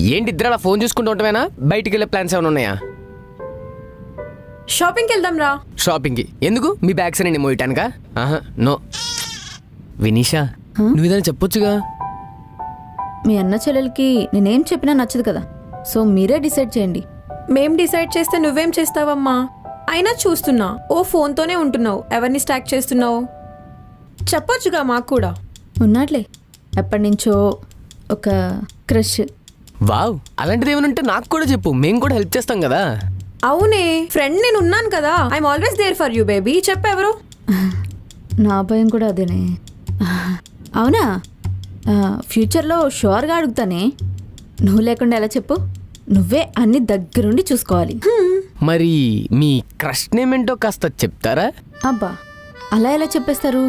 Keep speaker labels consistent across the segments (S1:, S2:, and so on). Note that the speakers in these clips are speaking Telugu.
S1: ఏంటి ఇద్దరు అలా ఫోన్ చూసుకుంటూ ఉంటామేనా? బయటికి వెళ్ళే ప్లాన్స్ ఏమైనా ఉన్నాయా?
S2: షాపింగ్కి వెళ్దాం రా.
S1: షాపింగ్కి ఎందుకు? మీ బ్యాగ్స్ నేను మోయటానుకా? ఆహా నో. వినీషా నువ్వు ఏదైనా చెప్పొచ్చుగా.
S3: మీ అన్న చెల్లెలకి నేనేం చెప్పినా నచ్చదు కదా, సో మీరే డిసైడ్ చేయండి.
S2: మేం డిసైడ్ చేస్తే నువ్వేం చేస్తావమ్మా? అయినా చూస్తున్నా ఓ ఫోన్తోనే ఉంటున్నావు. ఎవరిని స్టాక్ చేస్తున్నావు చెప్పొచ్చుగా మాకు కూడా.
S3: ఉన్నాట్లే ఎప్పటి నుంచో ఒక క్రష్.
S1: వావ్, అలాంటిది ఏమైనా ఉంటే నాకు కూడా చెప్పు, మేము కూడా హెల్ప్ చేస్తాం కదా.
S2: అవునే ఫ్రెండ్, నేను ఉన్నాను కదా. I'm always there for you baby. చెప్పెవరు?
S3: నా భయం కూడా అదేనే. అవునా, ఫ్యూచర్లో షూర్గా అడుగుతానే. నువ్వు లేకుండా ఎలా చెప్పు? నువ్వే అన్ని దగ్గరుండి చూసుకోవాలి.
S1: మరి మీ క్రష్ నేమ్ ఏంటో కాస్త చెప్తారా?
S3: అబ్బా అలా ఎలా చెప్పేస్తారు?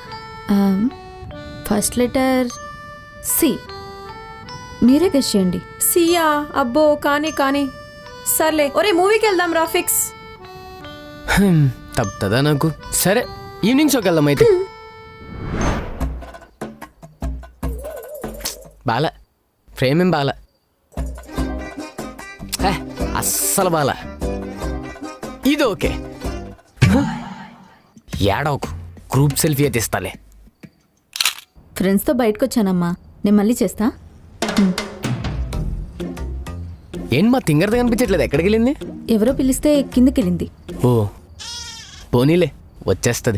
S3: First letter C. మీరే గెస్ చేయండి.
S2: సియా? అబ్బో కానీ కానీ సర్లే. ఒరే మూవీకి వెళ్దాం రా, ఫిక్స్.
S1: తప్పుతుందా నాకు? సరే ఈవినింగ్ షోకి వెళ్దాం అయితే. బాల ఫ్రేమ్ ఏం బాల, అస్సలు బాల. ఇది ఓకే. ఏడవకు, గ్రూప్ సెల్ఫీ అయితే ఇస్తాలే.
S3: ఫ్రెండ్స్తో బయటకు వచ్చానమ్మా, నేను మళ్ళీ చేస్తా.
S1: ఏంటి మా తింగరది కనిపించట్లేదు, ఎక్కడికి వెళ్ళింది?
S3: ఎవరో పిలిస్తే కిందకి వెళ్ళింది.
S1: ఓ పోనీలే, వచ్చేస్తుంది.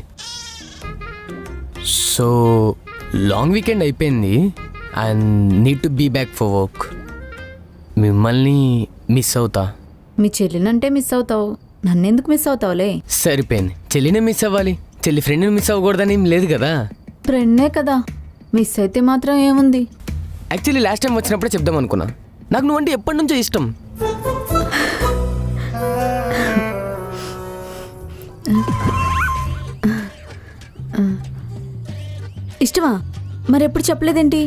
S1: సో లాంగ్ వీకెండ్ అయిపోయింది and need to be back for work. మిమ్మల్ని మిస్ అవుతా.
S3: మీ చెల్లినంటే మిస్ అవుతావు, నన్నెందుకు మిస్ అవుతావులే?
S1: సరిపోయింది, చెల్లినే మిస్ అవ్వాలి, చెల్లి ఫ్రెండ్ని మిస్ అవ్వకూడదని ఏం లేదు కదా.
S3: ఫ్రెండే కదా, మిస్ అయితే మాత్రం ఏముంది.
S1: యాక్చువల్లీ లాస్ట్ టైం వచ్చినప్పుడే చెప్దాం అనుకున్నా, నాకు నువ్వంటే ఎప్పటి నుంచో ఇష్టం.
S3: ఇష్టమా? మరెప్పుడు చెప్పలేదేంటి?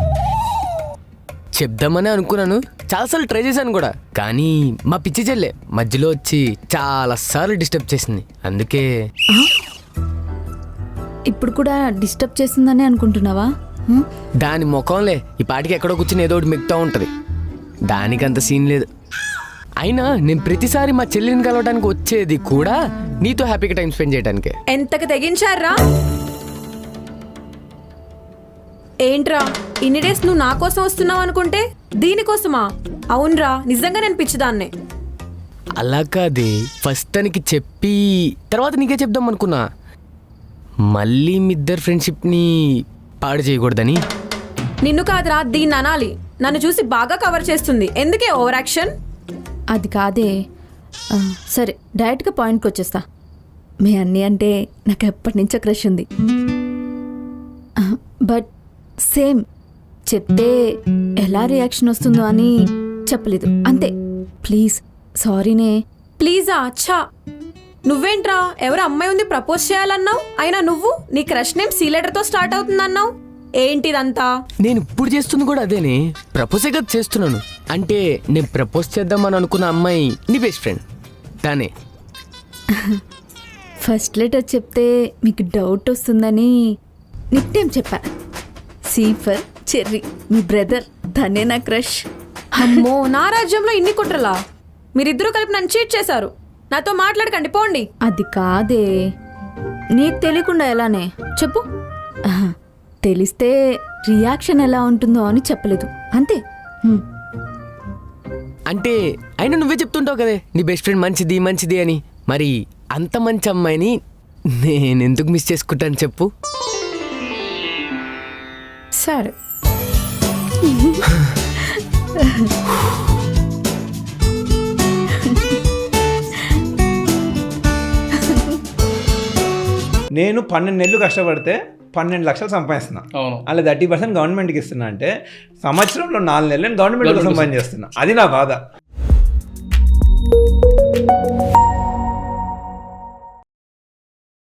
S1: చెప్దామని అనుకున్నాను, చాలాసార్లు ట్రై చేశాను కూడా, కానీ మా పిచ్చి చెల్లె మధ్యలో వచ్చి చాలాసార్లు డిస్టర్బ్ చేసింది. అందుకే
S3: ఇప్పుడు కూడా డిస్టర్బ్ చేస్తుందని అనుకుంటున్నావా?
S1: దాని ముఖంలే, ఈ పాటికి ఎక్కడో కూర్చుని ఏదో ఒకటి మిగతా ఉంటుంది, దానికంత సీన్ లేదు. అయినా నేను ప్రతిసారి మా చెల్లిని కలవడానికి వచ్చేది కూడా నీతో హ్యాపీగా టైం స్పెండ్ చేయడానికే.
S2: ఎంతకు తెగించారా? ఏంట్రా ఇన్ని డేస్ నువ్వు నా కోసం వస్తున్నావు అనుకుంటే దీనికోసమా? అవునరా, నిజంగా నేను పిచ్చిదాన్నే.
S1: అలా కాదే, ఫస్ట్ తనకి చెప్పి తర్వాత నీకే చెప్దాం అనుకున్నా, మళ్ళీ మీ ఇద్దరు ఫ్రెండ్షిప్ని పాడు చేయకూడదని.
S2: నిన్ను కాదురా, దీన్ని అనాలి. నన్ను చూసి బాగా కవర్ చేస్తుంది, ఎందుకే ఓవర్ యాక్షన్?
S3: అది కాదే. సరే డైరెక్ట్గా పాయింట్కి వచ్చేస్తా. మీ అన్నీ అంటే నాకు ఎప్పటి నుంచో క్రష్ ఉంది, బట్ సేమ్ చెప్తే ఎలా రియాక్షన్ వస్తుందో అని చెప్పలేదు అంతే. ప్లీజ్ సారీనే.
S2: ప్లీజా? అచ్చా, నువ్వేంట్రా ఎవరు అమ్మాయి ఉంది ప్రపోజ్ చేయాలన్నావు, అయినా నువ్వు నీ క్రష్ నేమ్ సీ లెటర్తో స్టార్ట్ అవుతుందన్నావు. ఏంటిదంతా?
S1: నేను ఇప్పుడు చేస్తుంది కూడా అదేనే, ప్రపోజే కదా చేస్తున్నాను. అంటే నేను ప్రపోజ్ చేద్దామని అనుకున్న అమ్మాయి నీ బెస్ట్ ఫ్రెండ్ తానే.
S3: ఫస్ట్ లెటర్ చెప్తే మీకు డౌట్ వస్తుందని నిక్ నేమ్ చెప్పా. C for cherry. మీ బ్రదర్, తనే నా క్రష్.
S2: అమ్మో, నా రాజ్యంలో ఇన్ని కుట్రలా? మీరిద్దరూ కలిపి నన్ను చీట్ చేశారు. నాతో మాట్లాడకండి, పోండి.
S3: అది కాదే, నీకు తెలియకుండా ఎలానే చెప్పు. తెలిస్తే రియాక్షన్ ఎలా ఉంటుందో అని చెప్పలేదు అంతే.
S1: అంటే అయినా నువ్వే చెప్తుంటావు కదే నీ బెస్ట్ ఫ్రెండ్ మంచిది మంచిది అని, మరి అంత మంచి అమ్మాయిని నేను ఎందుకు మిస్ చేసుకుంటాను చెప్పు?
S2: సరే.
S4: నేను 12 నెలలు కష్టపడితే 12 లక్షలు సంపాదిస్తున్నా. అలా 30% గవర్నమెంట్కి ఇస్తున్నా అంటే సంవత్సరంలో 4 నెలలు నేను గవర్నమెంట్ కోసం సంపాదించేస్తున్నా. అది నా బాధ.